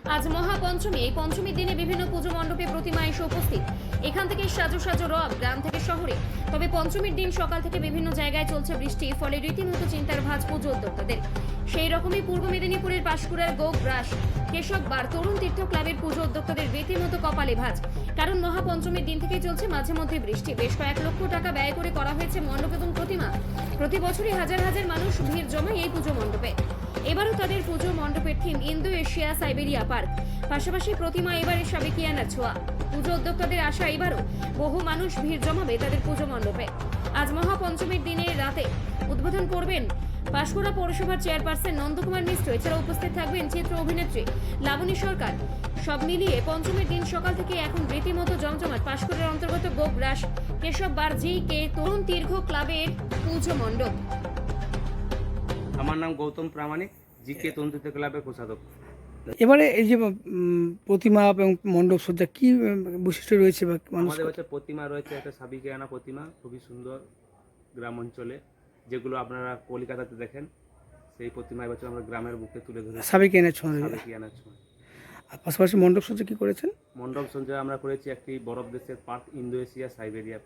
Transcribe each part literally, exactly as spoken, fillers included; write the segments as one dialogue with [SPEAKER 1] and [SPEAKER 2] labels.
[SPEAKER 1] আজ মহাপঞ্চমী। এই পঞ্চমীর দিনে বিভিন্ন পুজো মণ্ডপে প্রতিমা এসে উপস্থিত। এখান থেকে সাজো সাজো রব গ্রাম থেকে শহরে। তবে পঞ্চমীর দিন সকাল থেকে বিভিন্ন জায়গায় চলছে বৃষ্টি, ফলে রীতিমতো চিন্তার ভাঁজ পুজো উদ্যোক্তাদের। সেই রকমই পূর্ব মেদিনীপুরের পাঁশকুড়ার গোগ্রাস কেশব বার তরুণ তীর্থ ক্লাবের পুজো উদ্যোক্তাদের রীতিমতো কপালে ভাঁজ। কারণ মহাপঞ্চমীর দিন থেকেই চলছে মাঝে মধ্যে বৃষ্টি। বেশ কয়েক লক্ষ টাকা ব্যয় করে করা হয়েছে মণ্ডপ এবং প্রতিমা। প্রতি বছরই হাজার হাজার মানুষ ভিড় জমায় এই পুজো মণ্ডপে। এবারও তাদের পুজো মণ্ডপের theme Indo Asia Siberia park. পাশাপাশি প্রতিমা এবারে সাবেকিয়ানার ছোঁয়া। পুজো উদ্যোক্তাদের আশা এবারও বহু মানুষ ভিড় জমাবে তাদের পুজো মণ্ডপে। আজ মহাপঞ্চমীর দিনে রাতে উদ্বোধন করবেন পাঁশকুড়া পৌরসভার চেয়ারপারসন নন্দকুমার মিশ্র। এছাড়া উপস্থিত থাকবেন চিত্র অভিনেত্রী লাবণী সরকার। সব মিলিয়ে পঞ্চমীর দিন সকাল থেকে এখন রীতিমতো জমজমাট পাঁশকুড়ার অন্তর্গত গোগ্রাস কেশব বার জি কে তরুণ তীর্থ ক্লাবের পুজো মণ্ডপ।
[SPEAKER 2] আমার নাম গৌতম প্রামাণিক, জি কে তরুণ তীর্থ ক্লাবের কোষাধ্যক্ষ।
[SPEAKER 3] এবারে এই যে উম, প্রতিমা এবং মণ্ডপ সজ্জা কি উম, বৈশিষ্ট্য রয়েছে বা মানুষ
[SPEAKER 2] আমাদের হচ্ছে প্রতিমা রয়েছে একটা সাবিকিয়ানা প্রতিমা, খুবই সুন্দর গ্রাম অঞ্চলে, যেগুলো আপনারা কলকাতাতে দেখেন। সেই প্রতিমা এবছর আমরা গ্রামের বুকে তুলে ধরে
[SPEAKER 3] সাবেকিয়ানার ছোঁয়া রয়েছে।
[SPEAKER 2] সাবিকিয়ানার ছোঁয়া।
[SPEAKER 3] আর পাশাপাশি মণ্ডপ সজ্জা কি করেছেন?
[SPEAKER 2] মণ্ডপ সঞ্চয় আমরা করেছি একটি বরফ দেশের পার্ক, ইন্দো এশিয়া সাইবেরিয়া।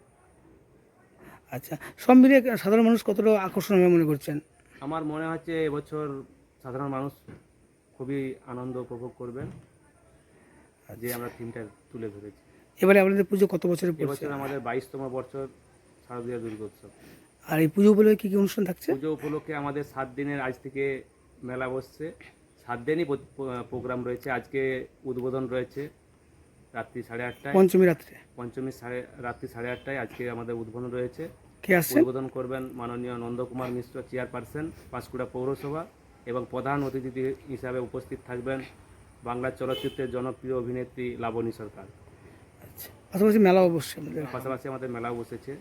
[SPEAKER 3] আচ্ছা, সব মিলিয়ে সাধারণ মানুষ কতটা আকর্ষণ হবে মনে করছেন?
[SPEAKER 2] আমার মনে হচ্ছে এবছর সাধারণ মানুষ খুবই আনন্দ উপভোগ করবেন, যে আমরা থিমটা তুলে ধরেছি।
[SPEAKER 3] এবারে আপনাদের পুজো কত বছরের পড়ছে?
[SPEAKER 2] এবছর আমাদের বাইশতম বছর শারদীয় দুর্গোৎসব।
[SPEAKER 3] আর এই পুজো উপলক্ষে কি কি অনুষ্ঠান থাকছে?
[SPEAKER 2] পুজো উপলক্ষে আমাদের সাত দিনের আজ থেকে মেলা বসছে। সাত দিনই প্রোগ্রাম রয়েছে। আজকে উদ্বোধন রয়েছে রাত্রি সাড়ে আটটায়,
[SPEAKER 3] পঞ্চমী রাত্রে।
[SPEAKER 2] পঞ্চমী সাড়ে রাত্রি সাড়ে আটটায় আজকে আমাদের উদ্বোধন রয়েছে।
[SPEAKER 3] কে আসছে?
[SPEAKER 2] উদ্বোধন করবেন মাননীয় নন্দকুমার মিশ্র, চেয়ারপারসন পাঁশকুড়া পৌরসভা, এবং প্রধান অতিথি হিসাবে উপস্থিত থাকবেন বাংলা চলচ্চিত্রের জনপ্রিয় অভিনেত্রী লাবণী সরকার।
[SPEAKER 3] আচ্ছা, পাশাপাশি মেলা অবশ্যই আমাদের।
[SPEAKER 2] পাশাপাশি আমাদের মেলাও বসেছে।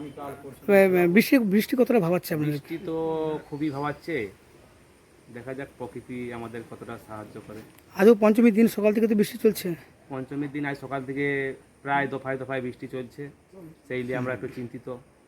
[SPEAKER 3] বৃষ্টি বৃষ্টি কতটা ভাবাচ্ছে আপনাদের?
[SPEAKER 2] বৃষ্টি তো খুবই ভাবাচ্ছে, দেখা যাক প্রকৃতি আমাদের কতটা সাহায্য করে।
[SPEAKER 3] আজও পঞ্চমীর দিন সকাল থেকে তো বৃষ্টি চলছে।
[SPEAKER 2] পঞ্চমীর দিন আজ সকাল থেকে প্রায় দফায় দফায় বৃষ্টি চলছে, সেই নিয়ে আমরা একটু চিন্তিত।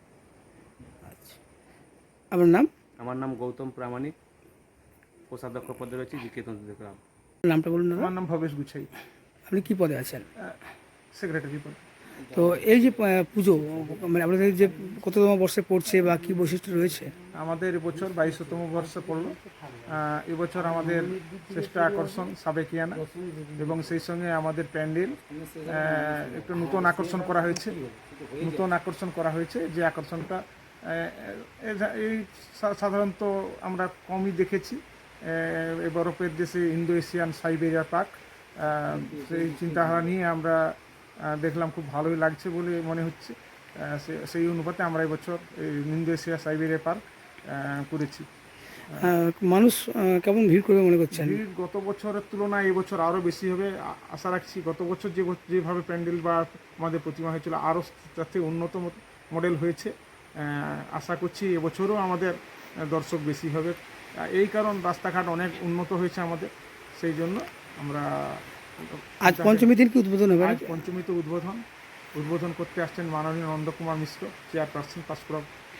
[SPEAKER 3] আচ্ছা, আপনার নাম?
[SPEAKER 2] আমার নাম গৌতম প্রামাণিক, কোষাধ্যক্ষ পদে রয়েছে জি কে তরুণ তীর্থ ক্লাব।
[SPEAKER 3] নামটা বলুন দাদা।
[SPEAKER 4] আমার নাম ভবেশ গুছাই,
[SPEAKER 3] আপনি কি পদে আছেন?
[SPEAKER 4] সেক্রেটারি পদ।
[SPEAKER 3] তো এই যে আহ, পুজো মানে আপনাদের যে কততম বর্ষে পড়ছে বা কি বৈশিষ্ট্য রয়েছে?
[SPEAKER 4] আমাদের এবছর বাইশতম বর্ষে পড়লো। আহ, এবছর আমাদের শ্রেষ্ঠ আকর্ষণ সাবেকিয়ানা, এবং সেই সঙ্গে আমাদের প্যান্ডেল আহ, একটু নতুন আকর্ষণ করা হয়েছে। নতুন আকর্ষণ করা হয়েছে যে আকর্ষণটা আহ, এ- এই সা- সাধারণত আমরা কমই দেখেছি। আহ, এই বরফের দেশে ইন্দো এশিয়ান সাইবেরিয়া পার্ক, আহ, সেই চিন্তাধারা নিয়ে আমরা আহ, দেখলাম খুব ভালোই লাগছে বলে মনে হচ্ছে। আহ, সে- সেই অনুপাতে আমরা এবছর এই ইন্দো এশিয়া সাইবেরিয়া পার্ক আহ, করেছি।
[SPEAKER 3] আহ, মানুষ আহ, কেমন ভিড় করবে মনে করছেন?
[SPEAKER 4] ভিড় গত বছরের তুলনায় এবছর আরও বেশি হবে আ- আশা রাখছি। গত বছর যে ব- যেভাবে প্যান্ডেল বা আমাদের প্রতিমা হয়েছিল, আরও তার থেকে উন্নত ম- মডেল হয়েছে। আহ, আশা করছি এবছরও আমাদের আহ, দর্শক বেশি হবে। আহ, এই কারণ রাস্তাঘাট অনেক উন্নত হয়েছে আমাদের, সেই জন্য আমরা
[SPEAKER 3] আজ পঞ্চমীর দিন কি উদ্বোধন হবে?
[SPEAKER 4] আজ পঞ্চমীতে উদ্বোধন উদ্বোধন করতে আসছেন মাননীয় নন্দকুমার মিশ্র, চেয়ারপারসন পাঁশকুড়া,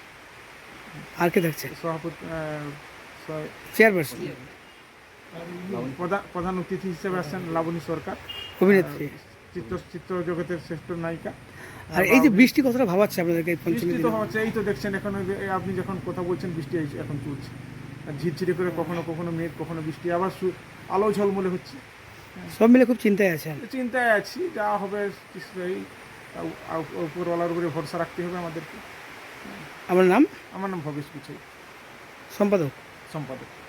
[SPEAKER 3] আর কে থাকছে?
[SPEAKER 4] সভাপতি আহ, সহ-
[SPEAKER 3] চেয়ারপারসন,
[SPEAKER 4] প্রধান প্রধান অতিথি হিসেবে আসছেন লাবণী সরকার,
[SPEAKER 3] অভিনেত্রী।
[SPEAKER 4] চিত্র চিত্র জগতের শ্রেষ্ঠ নায়িকা।
[SPEAKER 3] আর এই যে বৃষ্টি কতটা ভাবাচ্ছে আপনাদেরকে এই পঞ্চমী
[SPEAKER 4] বৃষ্টি
[SPEAKER 3] দিন?
[SPEAKER 4] তো হচ্ছে, এই তো দেখছেন এখন ওই যে- এই আপনি যখন কথা বলছেন বৃষ্টি এই এখন চলছে। আর ঝিরঝিরে করে কখনো কখনো মেঘ, কখনো বৃষ্টি, আবার সু- আলো ঝলমলে হচ্ছে।
[SPEAKER 3] সব মিলে খুব চিন্তায় আছেন।
[SPEAKER 4] চিন্তায় আছি, যা হবে এই উপরওয়ালার উপরে ভরসা রাখতে হবে আমাদেরকে।
[SPEAKER 3] আমার নাম?
[SPEAKER 4] আমার নাম ভবেশ গুছাই,
[SPEAKER 3] সম্পাদক।
[SPEAKER 4] সম্পাদক।